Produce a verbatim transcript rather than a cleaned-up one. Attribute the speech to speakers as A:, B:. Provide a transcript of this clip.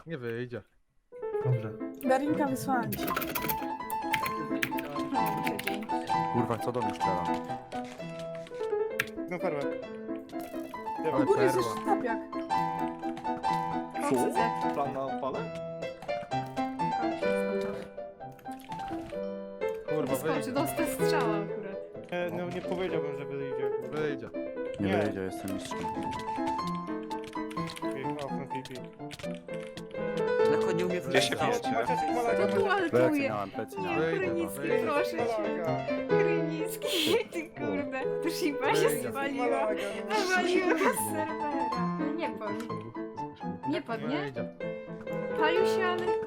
A: Nie wyjdzie.
B: Dobrze.
C: Darinka wysłała mi się.
D: Kurwa, co do mnie strzela?
E: No perłę.
C: U
A: Ale
C: góry jest
A: perła.
C: jeszcze tapiak.
F: Co?
E: Plan na opale?
A: Kurwa,
F: Skoczy,
A: wyjdzie.
F: dostał strzała akurat.
E: Nie, no nie powiedziałbym, że wyjdzie.
A: Wyjdzie.
D: Nie,
E: Nie.
D: wyjdzie, jestem mistrzem.
E: Pik, okno, pik, pik.
G: Lekko nie umie
H: Gdzie się
G: wrócić.
H: wiecie?
E: Macie malaga,
F: To tu
E: macie
D: Plecy
F: altuje.
D: miałem, plecy
F: Nie,
D: miałem.
A: Wyjdzie,
F: Krynicki,
A: wyjdzie.
F: proszę cię.
E: malaga.
F: Krynicki, ty kurde. To Shiba się
A: Wyjdzie.
F: spaliła.
E: Malaga, no.
F: Nawaliła z serwera. Nie padł. Nie padł, nie?
A: Wyjdzie.
F: Palił się, ale